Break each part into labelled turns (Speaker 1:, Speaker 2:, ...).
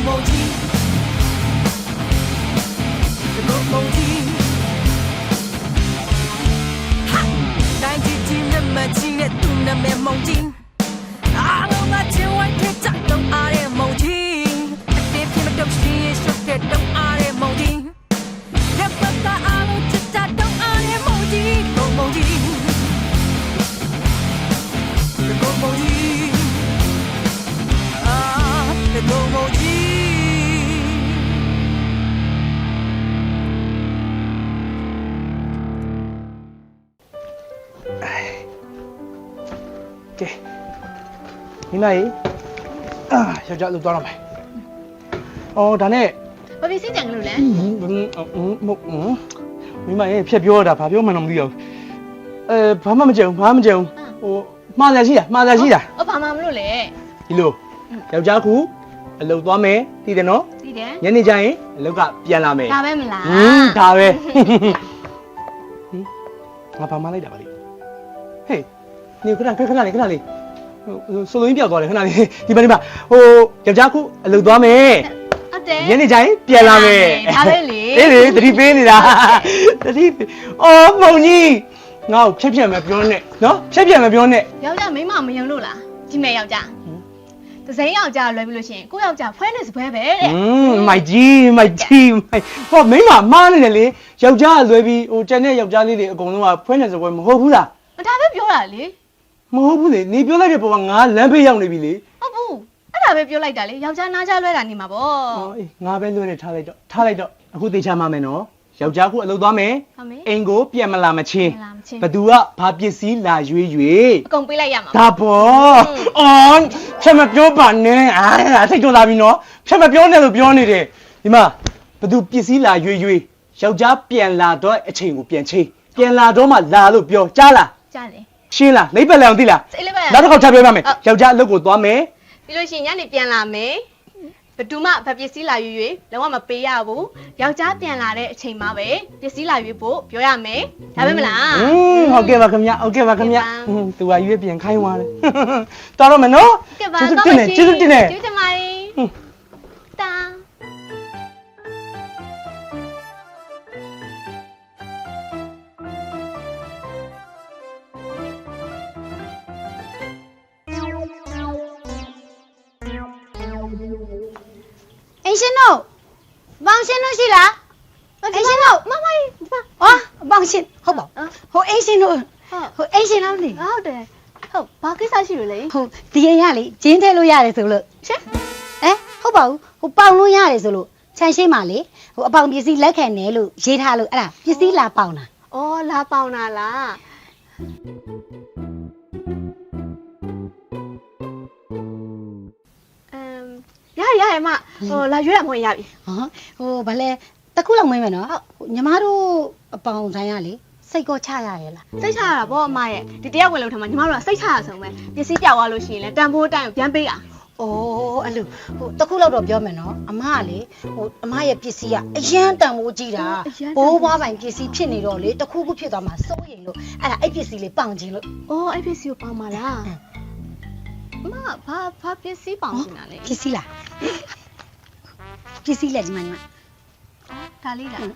Speaker 1: 你那里啊，小家都多少买？哦，但呢？
Speaker 2: 我别先讲了嘞。
Speaker 1: 你买也偏标的，怕标蛮弄的哟。怕嘛讲，我马在西啊，
Speaker 2: 我怕嘛不弄嘞。
Speaker 1: 一路，小家苦，路多没？对的喏。
Speaker 2: 对的。
Speaker 1: 人家讲，路个变了没？
Speaker 2: 大呗没啦。
Speaker 1: 大呗。我怕嘛来的吧哩？嘿，你看哪里？ဆိုလိုရင်းပြောက်သွားတယ်ခဏလေးဒီမှာဟိုယောက်ျားခုအလုပ်သွားမယ်
Speaker 2: ဟုတ်တယ်
Speaker 1: ညနေကျရင်ပြန်လာမယ်
Speaker 2: ဒါပဲလေ
Speaker 1: အေးလေတတိပေးနေတာတတိအော်မုံကြီးငါ့ကိုဖြက်မပြောနဲ့နော်ဖြက်မပြောနဲ့
Speaker 2: ယောက်ျားမိန်းမမယုံလို့လားဒီမဲ့ယောက်ျားတစိမ်းယောက်ျားလွယ်ပြီလို့ရှိရင်ကိုယောက်ျားဖွဲနေစပွဲပဲတဲ့
Speaker 1: မိုက်ကြီးဟောမိန်းမမားနေတယ်လေယောက်ျားလွယ်ပြီးဟိုကျန်တဲ့ယောက်ျားလေးတွေအကုန်လုံးကဖွဲနေစပွဲမဟုတ်ဘူးလား
Speaker 2: ဒါပဲပြောတာလေ
Speaker 1: မဟုတ်ဘူးလေနေပြောလိုက်တဲ့ပုံကငါလမ်းဖေးရောက်နေပြီလေ
Speaker 2: ဟုတ်ဘူးအဲ့ဒါပဲပြောလိုက်တာလေယောက်ျားနားချလွဲတာနေမှာပေါ့
Speaker 1: အေးငါပဲလွဲနေထားလိုက်တော့အခုသေချာမှမယ်နော်ယောက်ျားခုအလုပ်သွားမယ်အိမ်ကိုပြန်မလာမချင်းဘသူကဘာပစ္စည်းလာရွေး
Speaker 2: အကုန်ပေးလိုက်ရမှာ
Speaker 1: ဒါပေါ့အော်ဖြတ်မပြောပါနဲ့စိတ်ကြလာပြီနော်ဖြတ်မပြောနဲ့လို့ပြောနေတယ်ဒီမှာဘသူပစ္စည်းလာရွေးယောက်ျားပြန်လာတော့အချိန်ကိုပြန်ချင်းပြန်လာတော့မှလာလို့ပြောကြားလား
Speaker 2: ကြားတယ်
Speaker 1: ရှင်းလားလိမ့်ပက်လည်းအောင်သိလားနောက်တစ်ခေါက်ထပ်ပြောပါမယ်ယောက်ျားအလုပ်ကိုသွားမယ်
Speaker 2: ပြီးလို့ရှိရင်ညနေပြန်လာမယ်ဘသူမှဗပစ္စည်းလာရွေလုံးဝမပေးရဘူးယောက်ျားပြန်လာတဲ့အချိန်မှာပဲပစ္စည်းလာရွေဖို့ပြောရမယ်ဒါပဲမလား
Speaker 1: ဟုတ်ကဲ့ပါခင်ဗျသူကရွေးပြန်ခိုင်းသွားတယ်တော်တော့မယ်နော်
Speaker 2: ကျေးဇူးတင်ပါတယ်တာ
Speaker 3: အိမ်ရှင်တို့ဘောင်ရှင်တို့ရှိလားအိမ်ရှင်တို့မမအော်ဘောင်ရှင်ဟုတ်ပါဟိုအိမ်ရှင်တို့ဟိုအိမ်ရှင်လားမသိ
Speaker 2: ဟုတ်တယ်ဟုတ်ဘာကိစ္စရှိလို့လဲ
Speaker 3: ဟုတ်ဒီအိမ်ကလေဂျင်းထဲလို့ရတယ်ဆိုလို့ရှင်ဟုတ်ပါဘူးဟိုပေါင်လို့ရတယ်ဆိုလို့ခြံရှိမှလေဟိုအပေါင်ပစ္စည်းလက်ခံနေလို့ရေးထားလို့အဲ့ဒါပစ္စည်းလာပေါင်တာ
Speaker 2: အော်လာပေါင်တာလားရမဟိုလာရွေးရမဝင်ရပြီ
Speaker 3: ဟိုဗလဲတခုလောက်မင်းမယ်နော်ညီမတို့အပေါင်ဆိုင်ရလေစိတ်ကောချရရဲ့လား
Speaker 2: စိတ်ချရတာဗောအမရဲ့ဒီတယောက်ဝင်လို့ထမှာညီမတို့ကစိတ်ချရဆုံးပဲပစ္စည်းပြောက်သွားလို့ရှိရင်လည်းတန်ဖိုးတိုင်းကိုပြန်ပေးတာ
Speaker 3: အဲ့လိုဟိုတခုလောက်တော့ပြောမယ်နော်အမကလေဟိုအမရဲ့ပစ္စည်းကအရန်တန်ဖိုးကြီးတာဘိုးဘွားပိုင်ပစ္စည်းဖြစ်နေတော့လေတခုခုဖြစ်သွားမှစိုးရိမ်လို့အဲ့ဒါအဲ့ပစ္စည်းလေးပေါင်ခြင်းလို့
Speaker 2: အဲ့ပစ္စည်းကိုပေါင်ပါလားအမဘာပစ္စည်းပေါင်နေတာလဲ
Speaker 3: ပစ္စည်းလားပစ္စည်းလက်ဒီမှာညီမ
Speaker 2: ဒါလေးလား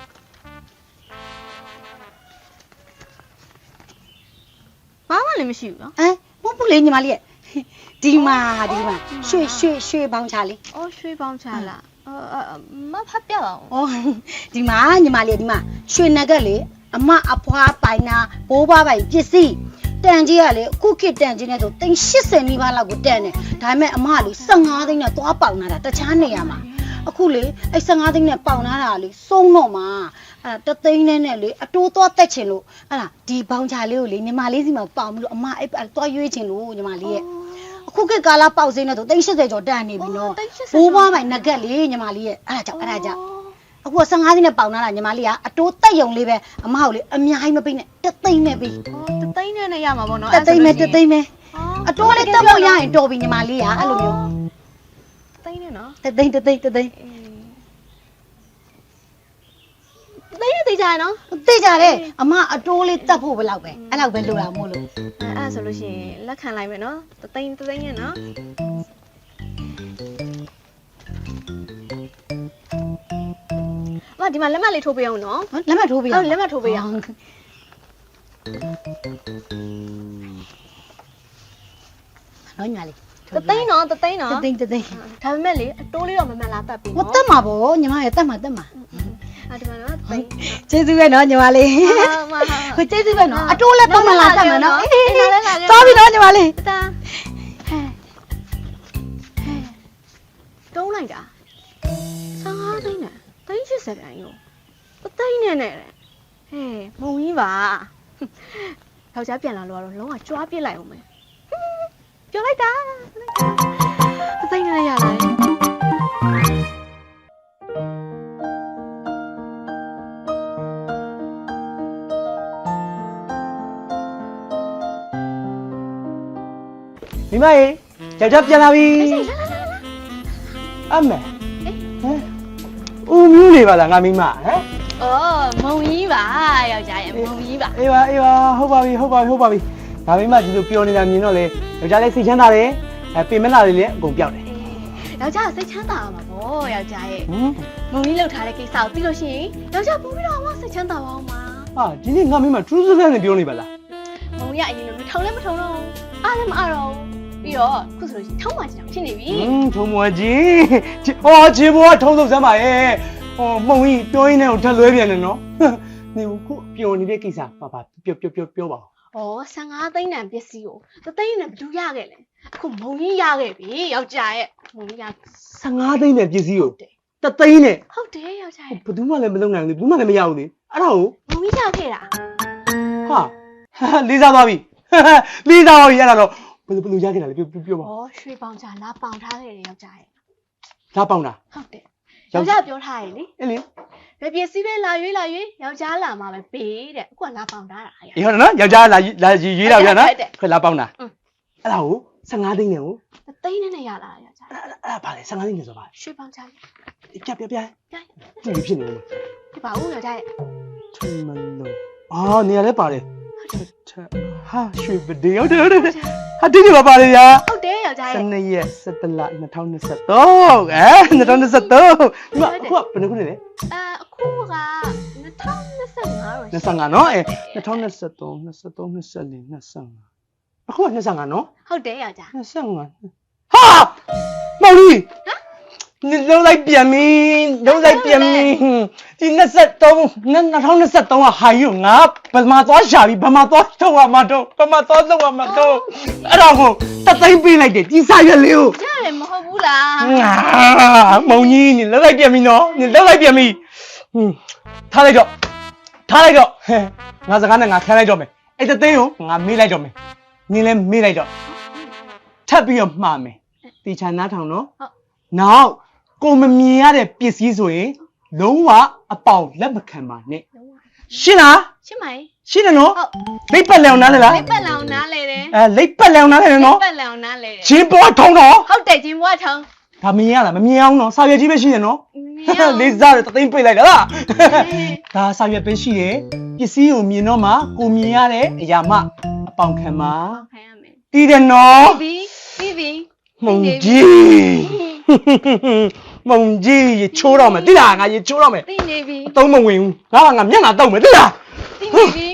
Speaker 2: ဘာမှလည်းမရှိဘူးနော်
Speaker 3: မဟုတ်ဘူးလေညီမလေးရဲ့ဒီမှာရွှေပေါင်းချလေး
Speaker 2: ရွှေပေါင်းချလားမဖတ်ပြပါဦး
Speaker 3: ဒီမှာညီမလေးဒီမှာရွှေနဂတ်လေအမအဖွားပိုင်နာဘိုးဘွားပိုင်ပစ္စည်းတန်ကြီးကလေအခုခေတ်တန်ကြီးနဲ့ဆို380နီးပါးလောက်ကိုတန်တယ်ဒါပေမဲ့အမကလေ15သိန်းနဲ့သွားပေါင်လာတာတခြားနေရာမှာအခုလေအဲ့15သိန်းနဲ့ပေါင်လာတာလေစုံတော့မှာအဲ့ဒါ3သိန်းနဲ့လေအတိုးသွားတက်ချင်လို့အဲ့ဒါဒီဘောင်ချလေးကိုလေညီမလေးစီမှာပေါင်ပြီးတော့အမအဲ့သွားရွေးချင်လို့ညီမလေးရဲ့အခုခေတ်ကာလာပေါက်စင်းနဲ့ဆို380ကျော်တန်နေပြီနော်ဘိုးဘွားပိုင်နဂတ်လေညီမလေးရဲ့အဲ့ဒါကြောင့်အခု15သိန်းနဲ့ပေါင်လာတာညီမလေးကအတိုးတက်ယုံလေးပဲအမကိုလေအများကြီးမပေးနဲ့3သိန်းနဲ့ပေး
Speaker 2: 3သိန်းနဲ့ရမှာပေါ့နော်
Speaker 3: 3သိန်းပဲအတိုးလေးတက်ဖို့ရရင်တော်ပြီညီမလေးကအဲ့လိုမျိုး
Speaker 2: 3သိန်းနဲ့နော်
Speaker 3: 3သိန်း
Speaker 2: သိကြရနော်
Speaker 3: သိကြတယ်အမအတိုးလေးတက်ဖို့ဘယ်လောက်ပဲအဲ့လောက်ပဲလိုတာမို့လို့
Speaker 2: အဲ့ဆိုလို့ရှိရင်လက်ခံလိုက်မယ်နော်3သိန်းနဲ့နော်အမဒီမှာလက်မှတ်လေးထိုးပေးအောင်နော်
Speaker 3: လက်မှတ်ထိုးပေးရ
Speaker 2: ဟုတ်လက်မှတ်ထိုးပေးအောင်
Speaker 3: နော်ညီမလေး
Speaker 2: တသိန်းနော်တသိန်းနော်
Speaker 3: တသိန်း
Speaker 2: ဒါပေမဲ့လေအတိုးလေးတော့မမှန်လားတတ်ပြီ
Speaker 3: ဟော
Speaker 2: နော်
Speaker 3: တက်မှာပေါ့ညီမရဲ့တက်မှာ
Speaker 2: ဒီမှာနော်သိန်း
Speaker 3: ကျေးဇူးပဲနော်ညီမလေး
Speaker 2: မ
Speaker 3: ဟိုကျေးဇူးပဲနော်အတိုးလည်းပတ်မလာတက်မှာနော်
Speaker 2: လာခဲ့လာခဲ့
Speaker 3: သွားပြီနော်ညီမလေး
Speaker 2: တသားတုံးလိုက်တာ15သိန်းနဲ့သိန်း80ပြန်ရောတသိန်းနဲ့နဲ့ဟဲ့မုံကြီးပါယောက်ျားပြန်လာလို့ကတော့လုံးဝကြွားပြစ်လိုက်အောင်မယ်ပြောလိုက်တာတသိန်းနဲ့ရလာတယ်
Speaker 1: မိမရေယောက်ျားပြန်လာပြီအမေဟမ်ဦးမျိုးနေပါလားငါမိမဟမ်
Speaker 2: အော်မုံကြီးပါယောက်ျားရဲ့မုံကြီးပါ
Speaker 1: အေးပါဟုတ်ပါပြီငါမိမဒီလိုပြောနေတာမြင်တော့လေယောက်ျားလေးစိတ်ချမ်းသာတယ်ပြင်မလာလေးလည်းအကုန်ပြောက်တယ်
Speaker 2: ယောက်ျားစိတ်ချမ်းသာမှာပေါ့ယောက်ျားရဲ့
Speaker 1: ဟမ်
Speaker 2: မုံကြီးလှုပ်ထားတဲ့ကိစ္စကိုသိလို့ရှိရင်ယောက်ျားပို့ပြီးတော့မှစိတ်ချမ်းသာပါအောင်ပါ
Speaker 1: ဟာဒီနေ့ငါမိမထူးဆန်းဆန်းနဲ့ပြောနေပါလား
Speaker 2: မုံကြီးကအရင်လိုထုံလည်းမထုံတော့အားလည်းမအားတော့ပြီးတော့ခုဆိုလို့ရှိရင်ထုံးမှချင်ဖြစ်နေပြီ
Speaker 1: ထုံမွားကြီးခြေပေါ်ကထုံးစုပ်စမ်းပါရဲ့မှုံကြီးပြောရင်းနဲ့ထက်လွဲပြန်တယ်နော်နေခုပျော်နေတဲ့ကိစ္စပါပြောပါ
Speaker 2: ဩ15သိန်းတန်ပစ္စည်းကိုသသိန်းနဲ့ဘယ်သူရခဲ့လဲအခုမုံကြီးရခဲ့ပြီယောက်ျားရဲ့မုံကြီးရ
Speaker 1: 15သိန်းနဲ့ပစ္စည်းကိုတသိန်းနဲ့
Speaker 2: ဟုတ်တယ်ယောက်ျားရဲ့
Speaker 1: ဘယ်သူမှလည်းမလုပ်နိုင်ဘူးဘယ်သူမှလည်းမရဘူးလေအဲ့ဒါကို
Speaker 2: မုံကြီးရခဲ့တာ
Speaker 1: ဟာလေးစားသွားပြီလေးစားသွားပြီအဲ့ဒါတော့ဘယ်လိုရခဲ့တာလဲပြောပါ
Speaker 2: ဩရွှေပေါင်ချလာပေါင်ထားခဲ့တယ်ယောက်ျားရဲ့
Speaker 1: ဒါပေါင်တာ
Speaker 2: ဟုတ်တယ်ယောက်ျားပြောထားရည်လေ
Speaker 1: အဲ့လေ
Speaker 2: ဘယ်ပစ္စည်းပဲလာရွေးယောက်ျားလာမှာပဲပေးတဲ့အခုကလာပေါင်ထားတာရ
Speaker 1: အေးဟုတ်တယ်နော်ယောက်ျားလာရေးတာပြနော်ခွဲလာပေါင်တာအဲ့ဒါကို15သိန်းနဲ့ကို
Speaker 2: သသိန်းနဲ့ရလာတာယောက်ျား
Speaker 1: အဲ့ဒါပါလေ15သိန်းနဲ့ဆိုပါ
Speaker 2: ရွှေပေါင်ချ
Speaker 1: ပြကြည့်ဖြစ်နေတယ်
Speaker 2: ဒီပါဦးယောက်ျားရဲ့
Speaker 1: ထမလို့နေရာလဲပါတယ်ဟာရွှေပဒေဟုတ်တယ်ဟာဒီနေ့ပါလေညာ
Speaker 2: ဟုတ်တယ်ယောက်ျားရဲ့
Speaker 1: 12ရက်17လ20232023ဒီမှာအခုကဘယ်နှခုနေလဲ
Speaker 2: အခုက2025
Speaker 1: 25နော်2023 24 25အခုက25နော်
Speaker 2: ဟုတ်တယ်ယောက်ျား
Speaker 1: 25ဟာမောင်လေးနေလုံးလိုက်ပြန်ပြီဒီ2023ကဟာယူငါဘယ်မှာသွားရှာပြီဘယ်မှာသွားထုတ်ရမှာတော့ဘယ်မှာသွားထုတ်ရမှာတော့အဲ့တော့ကိုတသိန်းပေးလိုက်တယ်ဒီစာရွက်လေးကို
Speaker 2: ကြားတယ်မဟုတ်ဘူးလား
Speaker 1: မုံကြီးနေလုံးလိုက်ပြန်ပြီနော်နေလုံးလိုက်ပြန်ပြီထားလိုက်တော့ငါစကားနဲ့ငါခံလိုက်တော့မယ်အဲ့တသိန်းကိုငါမေးလိုက်တော့မယ်နင်းလဲမေးလိုက်တော့ထပ်ပြီးတော့မှားမယ်တီချာနားထောင်နော်
Speaker 2: ဟုတ်
Speaker 1: နောက်ကိုမမြင်ရတဲ့ပစ္စည်းဆိုရင်လုံးဝအပေါင်လက်မခံပါနဲ့ရှင်းလား
Speaker 2: ရှင်းပါရဲ့
Speaker 1: ရှင်းတယ်နော်
Speaker 2: ဟုတ်
Speaker 1: လိပ်ပတ်လည်အောင်နားလေလား
Speaker 2: လက်ပတ်လောင်နားလဲတယ်
Speaker 1: လိပ်ပတ်လည်အောင်နားလေနော်
Speaker 2: ပတ်လောင်နားလဲတယ်
Speaker 1: ချင်းပေါ်ထုံတော့
Speaker 2: ဟုတ်တယ်ဂျင်းဘွားထောင်း
Speaker 1: ဒါမမြင်ရလားမမြင်အောင်နော်စာရွက်ကြီးပဲရှိတယ်နော်
Speaker 2: မင်းရော
Speaker 1: လေးစားတယ်တသိန်းပိတ်လိုက်တာလားဒါစာရွက်ပဲရှိတယ်ပစ္စည်းကိုမြင်တော့မှကိုမြင်ရတဲ့အရာမှအပေါင်ခံပါ
Speaker 2: ခံရမယ်
Speaker 1: ပြီးတယ်နော်
Speaker 2: ပြီးပြီ
Speaker 1: မုံကြီးမုံကြီးရေချိုးတော့မယ်တိလားငါရေချိုးတော့မယ်
Speaker 2: သိနေပြီ
Speaker 1: အသုံးမဝင်ဘူးငါမျက်နှာတောက်မယ်တိလား
Speaker 2: သိနေပြီ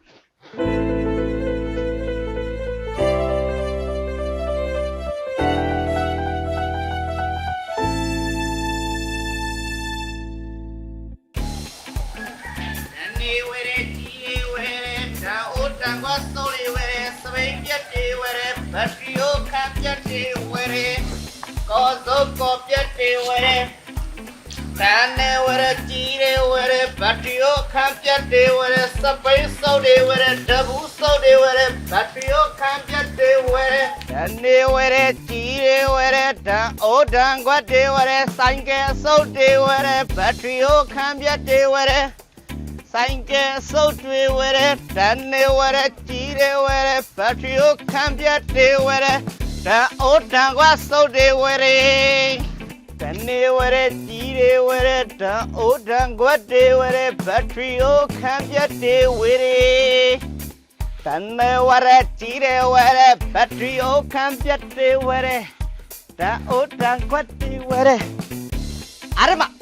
Speaker 4: နေဝဲတဲ့ကြီးဝဲတဲ့ဒါအိုတန်ကဆိုလီဝဲတဲ့စပိန်ပြတ်တွေဝဲတဲ့ဘတ်ရီယိုခံပြတ်တွေဝဲတဲ့ကောဇုတ်ကောပြတ်တွေဝဲတဲ့တန်နေဝဲတဲ့ကြီးတွေဝဲတဲ့ဘတ်ရီယိုခံပြတ်တွေဝဲတဲ့စပိန်ဆိုတွေဝဲတဲ့ဒဘူးဆိုတွေဝဲတဲ့ဘတ်ရီယိုခံပြတ်တွေဝဲတဲ့တန်နေဝဲတဲ့ကြီးတွေဝဲတဲ့ဒါအိုတန်ကတွေဝဲတဲ့ဆိုင်ကဲဆိုတွေဝဲတဲ့ဘတ်ရီယိုခံပြတ်တွေဝဲတဲ့ဆိုင်ကဲစုပ်တွေဝဲတဲ့တန်နေဝဲတဲ့ကြီးတွေဝဲတဲ့ဘတ်ထရီကိုခံပြတ်တွေဝဲတဲ့တန်အိုတန်ကစုပ်တွေဝဲတဲ့တန်နေဝဲတဲ့ကြီးတွေဝဲတဲ့တန်အိုတန်ကတွေဝဲတဲ့ဘတ်ထရီကိုခံပြတ်တွေဝဲတဲ့တန်နေဝဲတဲ့ကြီးတွေဝဲတဲ့ဘတ်ထရီကိုခံပြတ်တွေဝဲတဲ့တန်အိုတန်ကတွေဝဲတဲ့အားမ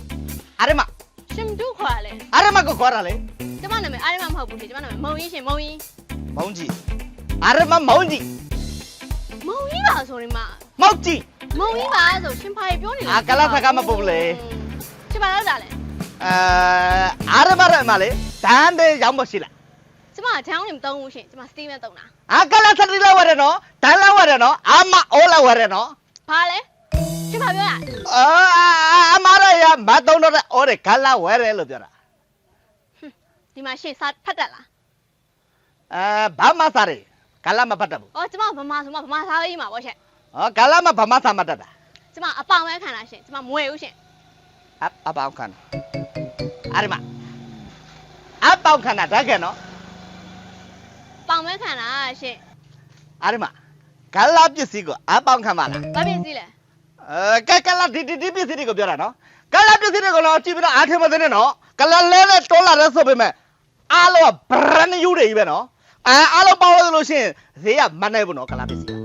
Speaker 4: ရမ
Speaker 2: ရှင်တို့ခေါ်လဲ
Speaker 4: အာရမကိုခေါ်တာလေ
Speaker 2: ကျမနာမည်အားရမမဟုတ်ဘူးရှင်ကျမနာမည်မုံကြီးရှင်မုံကြီး
Speaker 4: မောင်ကြီးအာရမမောင်ကြီး
Speaker 2: မုံကြီးပါဆိုရင်မ
Speaker 4: မောင်ကြီး
Speaker 2: မုံကြီးပါဆိုရှင်ဖာပြောနေ
Speaker 4: အာကလာစကားမပုတ်လေ
Speaker 2: ရှင်ပါလောက်တာလဲ
Speaker 4: အာရမရမလေတန်းတဲ့ရောက်မရှိလား
Speaker 2: ကျမချောင်းနေမသုံးဘူးရှင်ကျမစတီးမဲသုံးတာ
Speaker 4: အာကလာစတိလာဝရနော်တန်းလာဝရနော်အာမအိုးလာဝရနော်
Speaker 2: ဘာလဲရှင်ပါပြောရ
Speaker 4: အမရရမတုံးတော့အော်ရကလာဝရလို့ပြောတာ
Speaker 2: ဒီမှာရှင်စာဖတ်တတ်လား
Speaker 4: ဘာမစားရကလာမပတ်တယ်ဘူး
Speaker 2: အော်ကျမဗမာဆိုမှဗမာစားရေးမှာပေါ့ရှင်
Speaker 4: ကလာမဘာမစားမတတ်တာ
Speaker 2: ကျမအပေါင်ပဲခံတာရှင်ကျမမွေဘူးရှင်
Speaker 4: အပေါင်းခဏအာရမအပေါင်းခဏတကယ်နော်
Speaker 2: ပေါင်ပဲခံတာရှင်
Speaker 4: အာရမကလာပစ္စည်းကိုအပေါင်းခဏမလား
Speaker 2: ဘာဖြစ်စီလဲ
Speaker 4: ကလာဒီပစ္စည်းတွေကိုပြောတာနော်ကလာပစ္စည်းတွေကိုတော့ကြည့်ပြီးတော့အားထင်မသိနဲ့နော်ကလာလဲနဲ့တိုးလာတဲ့ဆိုပေမဲ့အားလုံးက brand new တွေကြီးပဲနော်အားလုံးပေါင်းလို့လို့ရှိရင်ဈေးကမနိုင်ဘူးနော်ကလာပစ္စည်း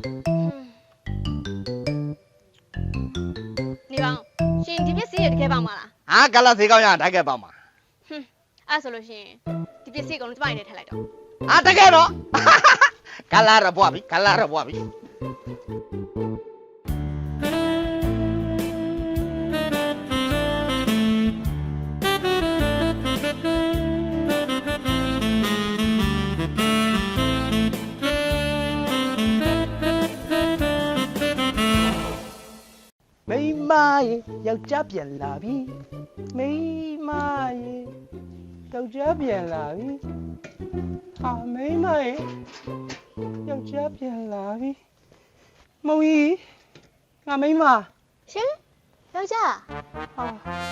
Speaker 2: နေပါရှင်ဒီပစ္စည်းရတကယ်ပေါင်မလား
Speaker 4: ကလာဈေးကောင်းရတကယ်ပေါင်းပါ
Speaker 2: အဲ့ဆိုလို့ရှင်ဒီပစ္စည်းကုန်လုံးကျမနေထည့်လိုက်တော့
Speaker 4: တကယ်နော်ကလာရပွားပြီကလာရပွားပြီ
Speaker 1: မိမရေယောက်ျားပြန်လာပြီမိမရေယောက်ျားပြန်လာပြီဟာမိမရေယောက်ျားပြန်လာပြီမုံကြီးငါမိမ
Speaker 2: ရှင်ယောက်ျား
Speaker 1: ဟာ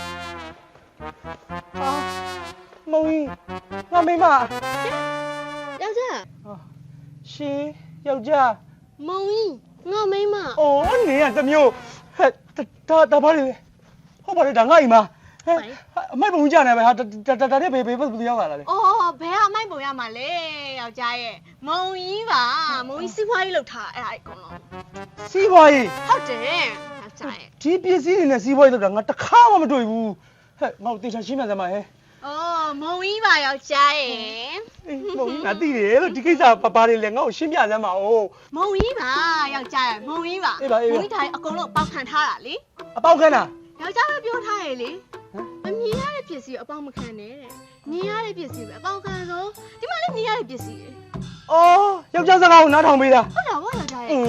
Speaker 1: မုံကြီးငါမိမ
Speaker 2: ယောက်ျား
Speaker 1: ရှင်ယောက်ျား
Speaker 2: မုံကြီးငါမိမ
Speaker 1: အော်နေရတစ်မျိုးဟဲ့ဒါဘာလဲဟုတ်ပါလေဒါငါ့အိမ်မှာဟဲ့အမိုက်ပုံကြီးကြနေပဲဟာဒါတဲ့ဘေးရောက်လာတာလေ
Speaker 2: အော်ဘယ်ကအမိုက်ပုံရမှာလဲယောက်ျားရဲ့မုံကြီးပါမုံကြီးစီးပွားရေးလုပ်ထားအဲ့ဒါအကုန်လုံး
Speaker 1: စီးပွားရေး
Speaker 2: ဟုတ်တယ်ယောက်ျားရဲ့
Speaker 1: ဒီပစ္စည်းတွေနဲ့စီးပွားရေးလုပ်တာငါတစ်ခါမှမတွေ့ဘူးဟဲ့ငါ့ကိုတေချာရှင်းပြစမ်းပါဟဲ့
Speaker 2: အော်မုံကြီးပါယောက်ျားရဲ့
Speaker 1: မုံငါသိတယ်လို့ဒီကိစ္စဘာတွေလဲငါ့ကိုရှင်းပြစမ်းပါဦး
Speaker 2: မုံကြီးပါယောက်ျားရဲ့မုံကြီးပါမုံကြီးတိုင်းအကုန်လုံးပေါက်ခံထားတာလေ
Speaker 1: အပေါက်ခန်းတာ
Speaker 2: ယောက်ျားပဲပြောထားရလေမမြင်ရတဲ့ပစ္စည်းကိုအပေါက်မခံနဲ့တဲ့မြင်ရတဲ့ပစ္စည်းပဲအပေါက်ခံဆုံးဒီမှာလည်းမြင်ရတဲ့ပစ္စည်းလေ
Speaker 1: အော်ယောက်ျားစကားကိုနားထောင်ပေးတာ
Speaker 2: ဟုတ်တာဗောယောက်ျားရဲ့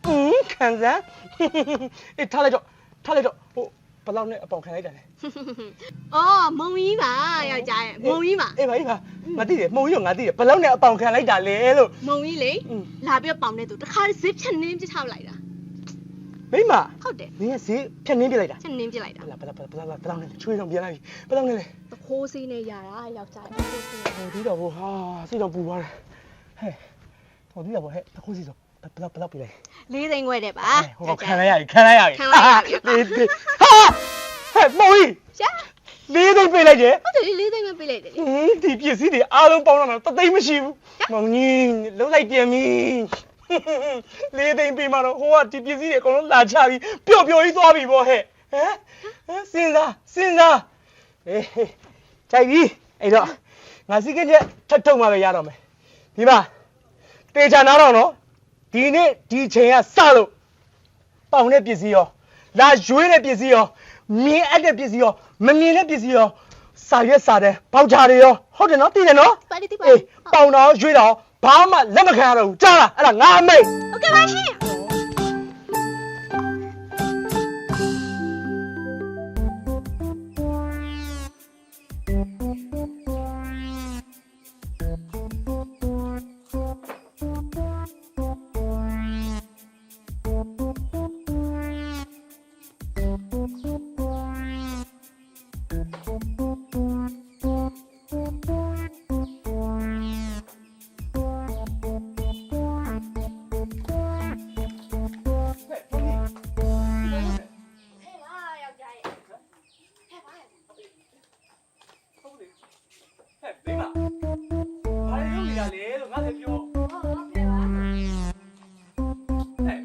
Speaker 1: ခံစမ်းအေးထားလိုက်တော့ဟိုဘယ်လောက်နဲ့အပေါက်ခံလိုက်တာလဲ
Speaker 2: အော်မုံကြီးပါယောက်ျားရဲ့မုံကြီးပါ
Speaker 1: အေးပါငါသိတယ်မုံကြီးကငါသိတယ်ဘယ်လောက်နဲ့အပေါက်ခံလိုက်တာလဲလို့
Speaker 2: မုံကြီးလေလာပြီးပေါင်တဲ့သူတခါဇစ်ဖြတ်နှင်းပြထားလိုက်တာ
Speaker 1: မိမ
Speaker 2: ဟုတ်တယ်
Speaker 1: နင်ကဈေးဖြတ်နှင်းပြလိုက်တာ
Speaker 2: ဖြတ်နှင်းပြလိုက်တာ
Speaker 1: ဘယ်လောက်နဲ့ချွေးတော့ပြန်လာပြီဘယ်လောက်နဲ့လဲ
Speaker 2: တခိုးစီးနဲ့ရတာယောက်ျားရဲ့တခိုးစီးနဲ့
Speaker 1: ဟိုဒီတော့ဟာစိတ်တော့ပူသွားတယ်ဟဲ့ဟိုဒီတော့ဟဲ့တခုစီဆိုဘယ်လောက်ပြလိုက်
Speaker 2: 4သိန်းခွဲတဲ့ပါ
Speaker 1: ဟိုခံလိုက်ရပြီဟာဟဲ့မုံကြီး
Speaker 2: ရှာ
Speaker 1: လေးသိမ့်ပေးလိုက်တယ်
Speaker 2: ဟုတ်တယ်4သိန်းပဲပေးလိုက်တယ်လေ
Speaker 1: ဒီပစ္စည်းတွေအားလုံးပေါင်းတော့တသိမ့်မရှိဘူးမုံကြီးလုံးလိုက်ပြန်ပြီလေးသိမ့်ပေးမှတော့ဟိုကဒီပစ္စည်းတွေအကုန်လုံးလာချပြီးပျော့ကြီးသွားပြီပေါ့ဟဲ့ဟမ်စဉ်းစားအေးကြိုက်ပြီအဲ့တော့ငါစီးကင်းချက်ထပ်ထုံမှပဲရတော့မယ်ဒီမှာတေချာနားတော့နော်ဒီနေ့ဒီချိန်ကစလို့ပေါင်တဲ့ပစ္စည်းရောလာရွေးတဲ့ပစ္စည်းရောမြင်အပ်တဲ့ပစ္စည်းရောမမြင်တဲ့ပစ္စည်းရောစာရွက်စာတန်းပေါက်ချာတွေရောဟုတ်တယ်နော်သိတယ်နော်
Speaker 2: ပါတိပါ
Speaker 1: အေးပေါင်တော့ရွေးတော့ဘာမှလက်မခံရတော့ဘူးကြားလားအဲ့ဒါငါအမိတ်
Speaker 2: โอเคပါရှင်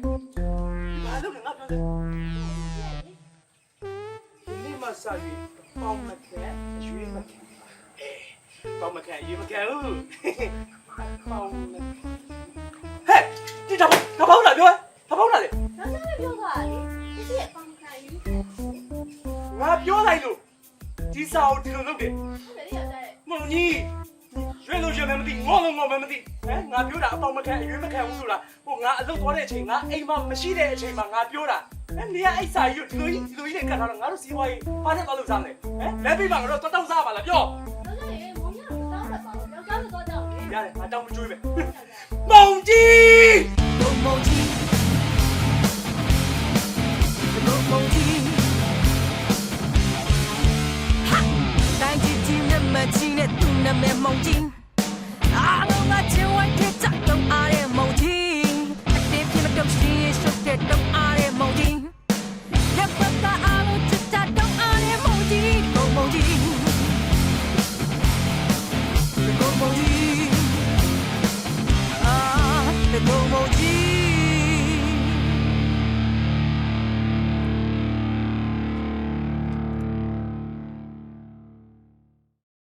Speaker 1: စာရွေးပေါင်မခံရွေးမခံပေါင်မခံရွေးမခံဦးပေါင်ဟဲ့ဒီတော့ဘာလို့လာပြောဘာလို့လာလဲ
Speaker 2: နောက်ကျပြောသွားတာလေဒီရဲ့ပေါင်ခံယူဟုတ်
Speaker 1: ငါပြောလိုက်လို့ဒီစာကိုဒီလိုလုပ်တယ်
Speaker 2: တယ်ရတဲ့
Speaker 1: မုံကြီးရွေးလို့ရွေးမယ်မသိငေါလို့ငေါမယ်မသိဟမ်ငါပြောတာအပေါင်မခံရွေးမခံဘူးဆိုတာဟိုငါအလုပ်သွားတဲ့အချိန်ငါအိမ်မှာမရှိတဲ့အချိန်မှာငါပြောတာနေရအိတ်စာကြီးဒီလိုကြီးနဲ့ကတ်ထားတော့ငါတို့စီးပွားရေးဘာနဲ့သွားလို့စားမလဲဟမ်လက်ပြီးမှငါတို့တောက်စားပါလားပြော
Speaker 2: နောက်ကျရင်မုံရတော့တောင်းရပါဘူးယောက်ျားတော့ကြောက်လေ
Speaker 1: ရတယ်ငါတောင်းမကျွေးမယ်မုံကြီးမုံကြီး
Speaker 5: 梦境，တိုင်းကြည့်ချင်းနဲ့မချင်းနဲ့သူနာမည်梦境